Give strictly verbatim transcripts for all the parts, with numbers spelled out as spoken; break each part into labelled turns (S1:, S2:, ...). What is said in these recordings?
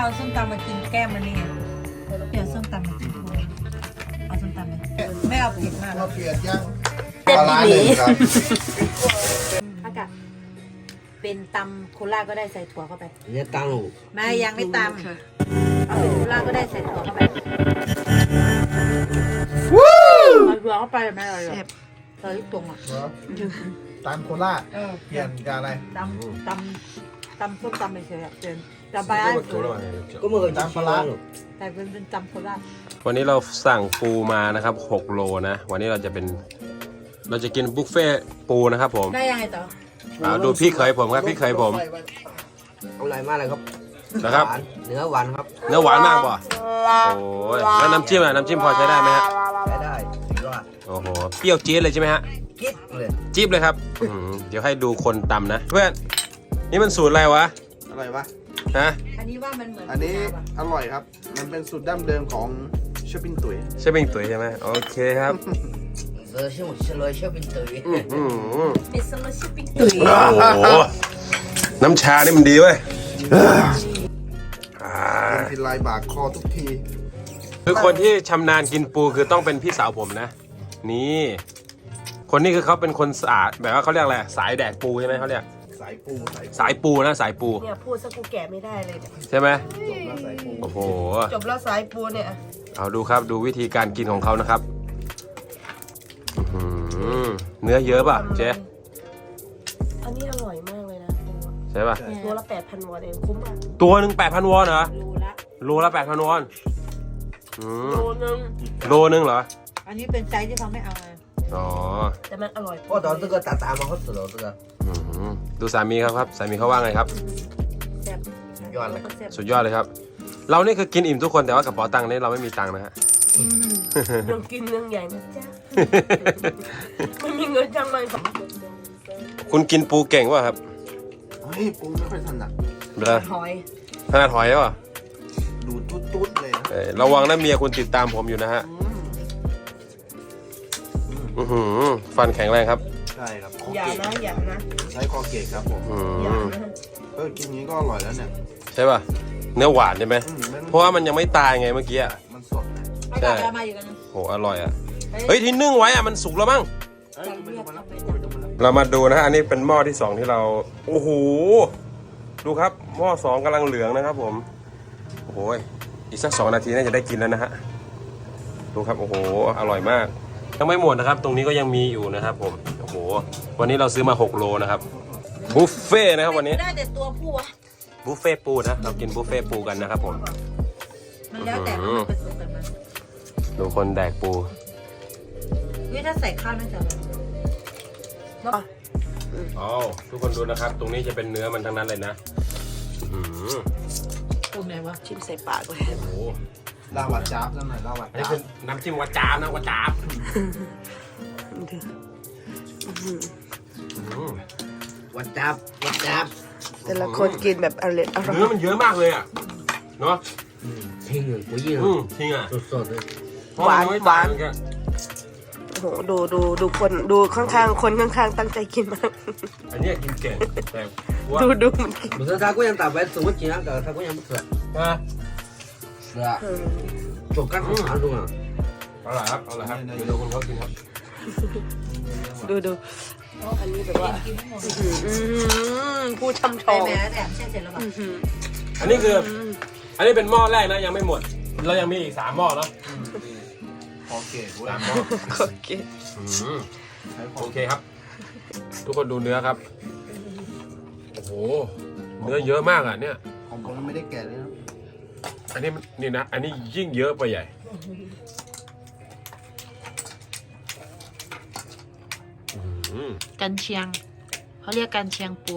S1: เอาส้มตำมากินแก้มมันนี่ไงเดี๋ยวส้มตำมากินเอาส้มตำเลยไม่เอาเผ็ดมาก
S2: เราเปลี่ยนย่าง
S3: เต็ม
S2: ปลาร้า
S3: ห
S2: ห
S3: ลี
S2: นึ่งครับ
S1: อากาศเป็นตำโคราชก็ได้ใส่ถั่วเข้าไป
S4: เนี่ยตังค์
S1: ไม่ยังไม่ตำเอาเป็นโคราชก็ได้ใส่ถั่วเข้าไปเอาถั่วเข้าไปไม่อร่อยหรอกใส่ตรงอ่ะ
S2: ตามโคราช
S1: เออ
S2: เปลี่ยนกับอะไร
S1: ตำตำตำส้มตำไปเฉยๆเปลี่ยนตำไปอ่ะ
S4: ก็เมื่อกี้ปลาร้า
S1: แต่เป็นเป็นตำโคราช
S5: วันนี้เราสั่งปูมานะครับหกโลนะวันนี้เราจะเป็นเราจะกินบุฟเฟ่ปูนะครับผม
S1: ได้ยังไงต่อ
S5: เอาดูพี่เคยผมครับพี่เคยผม
S4: อร่อยมากเลยครับ
S5: นะครับ
S4: หวานเนื้อหวานครับ
S5: เนื้อหวานมากป่ะโอ้ยแล้วน้ำจิ้มอะน้ำจิ้มพอใช้ได้ไหมฮะ
S4: ใช้ได้สุดยอด
S5: โอ้โหเปรี้ยวจี๊ดเลยใช่ไหมฮะ
S4: กิ๊ดเลย
S5: จี๊บเลยครับอื้อหือเดี๋ยวให้ดูคนตำนะเพื่อนนี่มันสูตรอะไรวะ
S2: อะไรวะ
S5: ฮะ
S1: อันนี้ว่ามันเหมือน
S2: อันนี้อร่อยครับ มันเป็นสูตรดั้งเดิมของเชฟปิ้งตุ๋ย
S5: ใช่เป็นตุ๋ยใช่ไหมโอเคครับ
S4: เออชื่อชื่อเลยชื่อเป็นตุ๋ย
S5: อื้อหือ
S1: เป็นสลัดชิปปิ้ง
S5: โอ้โหน้ำชานี่มันดีเว้ยอ่า
S2: เป็นทีลายบากคอทุกที
S5: คือคนที่ชำนาญกินปูคือต้องเป็นพี่สาวผมนะ นี่ คนนี้คือเขาเป็นคนสะอาดแบบว่าเขาเรียกอะไรสายแดกปูใช่ไหมเขาเรียก
S2: สายปูสาย
S5: สายปูนะสายปู
S3: เนี่ยพูดซะกูแก่ไม่ได้เลยเนี่ย
S5: ใช่ไหม
S2: จบแล้วสายปู
S5: โอ้โห
S3: จบแล้วสายปูเนี่ย
S5: เอาดูครับดูวิธีการกินของเขานะครับอื้อหือเนื้อเยอะป่ะเจ๊
S3: อันนี้อร่อยมากเลยนะ
S5: ใช่ป่ะ
S3: ตัวละแปดพันวอนเองคุ้มอ่ะ
S5: ตัวหนึ่งแปดพันวอนเหรอ
S1: รูละ
S5: โลละแปดพันวอนอืม
S3: โลนึง
S5: โลนึงเหรอ
S1: อันนี้เป็นไซส์ที่เขาไม่เอาไง
S5: อ๋อ
S3: แต่มันอร่อย
S4: โอ้ตอน这个打打嘛好吃了这个
S5: อื้อหือดูสามีครับครับสามีเขาว่าไงครับ
S1: แซ่บ
S4: สุดยอดเลย
S1: แซ่บ
S5: สุดยอดเลยครับ เรานี่คือกินอิ่มทุกคนแต่ว่ากระเป๋าตังค์นี่เราไม่มีตังค์นะฮะ
S3: เรื่องกินเรื่องใหญ่นะจ๊ะไม่มีเงินจังเลย
S5: คุณกินปูเก่งวะครับ
S2: เฮ้ยปูไม่ค่อยถนัด
S5: เด้อ
S3: หอย
S5: ขนาดหอยแล้วอ่ะ
S2: ดูตุ๊ดตุ๊ดๆเลยนะ
S5: เอ้ยระวังนะเมียคุณติดตามผมอยู่นะฮะอื้อหือฟันแข็งแรงครับ
S2: ใช่ครับคอ
S3: อย่า
S2: เกต
S3: นะอย่านะ
S2: ใช้คอเกตครับผม
S5: อื
S3: อย่าม นะ
S2: เออกินอย่างนี้ก็อร่อยแล้วเนี่ย
S5: ใช่ป่ะเนื้อหวานใช่ไหม
S2: อืมมัน
S5: เพราะว่ามันยังไม่ตายไงเมื่อกี้อะ
S2: มันสดนะ
S1: อากาศเรามาอยู่กันนะ
S5: โหอร่อยอ่ะเฮ้ยที่นึ่งไว้อ่ะมันสุกแล้วมั้ง
S2: เอ้ยดูไปดูมาแล้วดูไปดูมาแล้ว
S5: เรามาดูนะฮะอันนี้เป็นหม้อที่สองที่เราโอ้โหดูครับหม้อสองกำลังเหลืองนะครับผมโอ้โหอีกสักสองนาทีน่าจะได้กินแล้วนะฮะดูครับโอ้โหอร่อยมากยังไม่หมดนะครับ ตรงนี้ก็ยังมีอยู่นะครับผมโอ้โหวันนี้เราซื้อมาหกโลนะครับบุฟเฟ่ต์นะครับวันนี้
S1: ได้แต่ตัวผู้อะ
S5: บุฟเฟ่ต์ปูนะเรากินบุฟเฟ่ต์ปูกันนะครับผม
S1: มันแล้วแต่ว่ามันผสมกันมา
S5: ดูคนแดกปู
S1: วิถ้าใส่ข้าวน่าจะอร่อยแล้ว
S5: อ๋อทุกคนดูนะครับ ตรงนี้จะเป็นเนื้อมันทั้งนั้นเลยนะอื้อหือ
S1: ตรงไหนวะ
S3: ชิมใส่ปากเลย
S5: โอ้โห
S2: ลาวัดจ้าบสักหน่อยลาวัด
S5: อันนี้
S2: จ้า
S5: คื
S2: บ
S5: อน้ำจิ้มวาจาบนะวาจาบอืม
S4: วัดจับวัดจับ
S3: แต่ละคนกินแบบอร่อยอร่อย
S5: เนื้อมันเยอะมากเลยอ่ะเนาะ
S4: ทิ้งเลยกูยิ่ง
S5: อืมจริงอ่ะ
S4: สดๆเลย
S5: เพระมัไม่ตยเหมือกั
S3: โอ้โหดูดูดูคนดูข้างๆคนข้างๆตั้งใจกินมาก
S5: อันเนี้ยกินเก่งแต่ว่า
S3: ดูดูมันกิน
S4: 不是他姑娘打白怎么紧那个他姑娘不吃
S5: อ่ะ
S4: 是啊就干好长中啊
S5: เอาล่ะครับเอาล่ะครับเดี๋ยวดูคนเขากินครับ
S3: ดูดูอันนี้แบบว่าอื้อหือผู้ช่ำช
S1: ใส่
S3: อง
S1: แหมแถมเช่นเสร็จแล้วป่ะ
S3: อื้อหือ
S5: อันนี้คือ อันนี้เป็นหม้อแรกนะยังไม่หมด เรายังมีอีกสามหม้อเนาะ
S2: คอเกตเว้ย
S5: สามหม้อ
S3: โอเค
S5: อืม
S2: ใช้คอ
S5: โอเคครับ ทุกคนดูเนื้อครับโอ้โหเนื้อเยอะมากอ่ะเนี่ย
S2: ของผมยังไม่ได้แกะเลยนะ
S5: อันนี้มันนี่นะ อันนี้ยิ่งเยอะไปใหญ่อืม
S1: กันเชียงเขาเรียกกันเชียงปู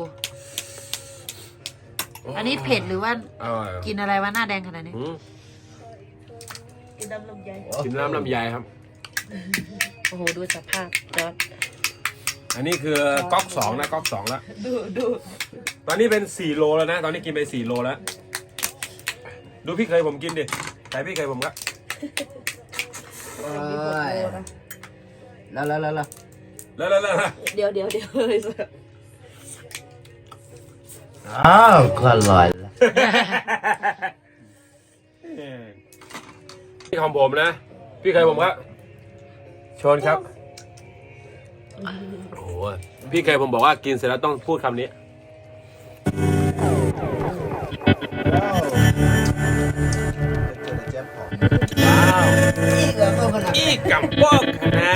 S1: อันนี้เผ็ดหรือว่า
S5: อร่อย
S1: กินอะไรวะหน้าแดงขนาดนี้
S5: อืม
S3: กินน้ำลำไย
S5: กินน้ำลำไยครับ
S3: โอ้โหดูสภาพจอด
S5: อันนี้คือก๊อกสองนะก๊อกสองแล้ว
S3: ดูดู
S5: ตอนนี้เป็นสี่โลแล้วนะ ตอนนี้กินไปสี่โลแล้ว ดูพี่เคยผมกินดิแต่พี่เคยผมก็
S4: เอ้ยแล้วแล้วแล้วแล้ว
S5: แล้วแล้วแล้ว
S3: เดี๋ยวเดี๋ยวเดี๋ยวเลย
S4: อ้าวก็อร่อยละ
S5: พี่ของผมนะ พี่เคยผมครับชนครับโอ้โหพี่เคยผมบอกว่ากินเสร็จแล้วต้องพูดคำนี้ว้าว
S4: อีกแล้วตัวขนาด
S5: อีกำบอกขนา